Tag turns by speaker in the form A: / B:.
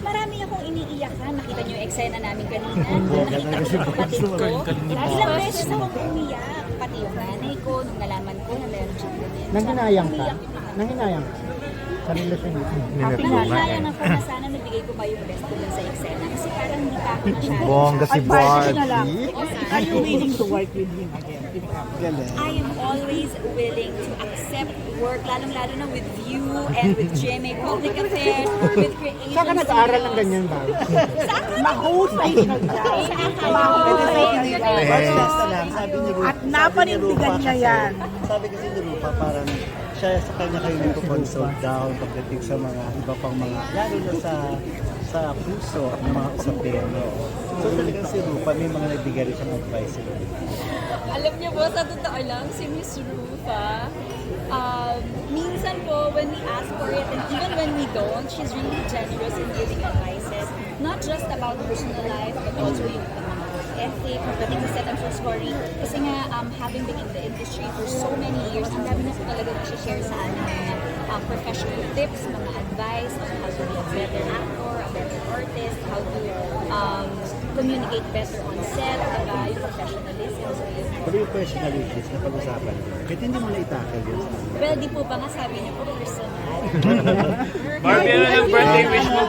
A: Marami akong iniiyakan. Nakita niyo yung eksena namin kanina. Nakita ko yung kapatid ko. Ilang beses akong umiyak. Pati yung nanay ko, nung nalaman ko na meron siyang ganyan.
B: Nanghinayang ka?
A: Umiyak yung mga
B: Nanghinayang ka? Sa relasyon niyo?
A: Nanghinayang ako na sana nabigay ko pa yung best ko dun sa eksena. Kasi parang hindi pa ako masyado.
C: Bongga si Barbie.
B: Are you willing to work with him again?
A: I am always willing to accept work, lalong-lalo na with you and with GMA Public Affairs, with Creation
B: Saan ka nag-aaral ng
A: Studios.
B: ganyan ba?
D: Mahusay siya dyan.
E: Sabi ni Rupa,
D: At napanindigan niya yan.
E: Sabi kasi ni Rupa, parang siya sa kanya kayo nagpo-consult down pagdating sa mga iba pang mga, lalo na sa puso at mga usapin. So talagang si Rupa, may mga nagbigay rin siyang advice.
A: Alam niyo po, sa totoo lang, si Miss Rufa, minsan po, when we ask for it, and even when we don't, she's really generous in giving advices. Not just about personal life, but also yung ethic, pagdating sa set, I'm so sorry. Kasi nga, having been in the industry for so many years, ang dami na po talaga share sa amin mga professional tips, mga advice on how to be a better actor, a better artist, how to communicate better on set, diba, yung professionalism. So, yun.
E: Pero yung personal issues na pag-usapan, kahit hindi mo na itakal yun.
A: Well, di po ba nga sabi niyo po personal?
F: Barbie, ano ng birthday wish mo?